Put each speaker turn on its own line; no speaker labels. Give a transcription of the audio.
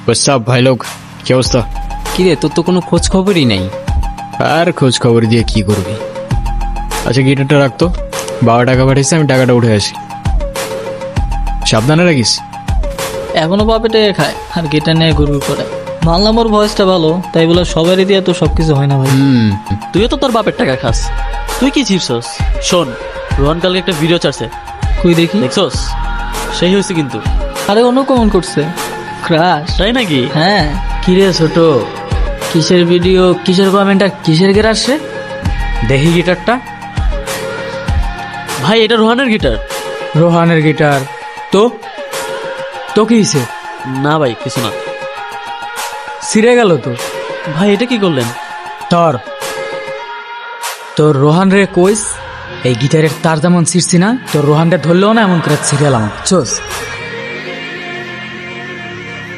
সব ভাই লোক, কি অবস্থা?
কিরে, তোর তো কোনো খোঁজ খবরই নাই।
আর খোঁজ খবর দিয়ে কি করবি? আচ্ছা গিটারটা রাখতো, বাবা টাকা পাঠিয়েছে, আমি টাকাটা উঠে আসি। সাবধানে রাখিস।
এখনো বাপেটে খায় আর গিটার নিয়ে ঘুরঘুর করে। মানলাম ওর ভয়েসটা ভালো, তাই বলে সবারই দিয়ে তো সবকিছু হয় না ভাই।
তুইও তো তোর বাপের টাকা খাস, তুই কি চিপছস? শোন, রোহন কালকে একটা ভিডিও ছাড়ছে,
কই দেখি।
দেখছস? সেই হয়েছে কিন্তু।
আরে অন্য কমেন্ট করছে, ক্রাশ।
তাই নাকি?
হ্যাঁ।
কিরে ছোট, কিসের ভিডিও, কিসের কমেন্ট আর কিসের গের আসছে? দেখি গিটারটা।
ভাই এটা রোহানের গিটার।
রোহানের গিটার? তো তো কি হয়েছে?
না ভাই কিছু না।
ছিঁড়ে গেল তো?
ভাই এটা কি করলেন?
তোর তোর রোহান রে কইস, এই গিটারের তার যেমন ছিঁড়ছি না, তোর রোহানটা ধরলেও না এমন করে ছিঁড়েলাম, চোস।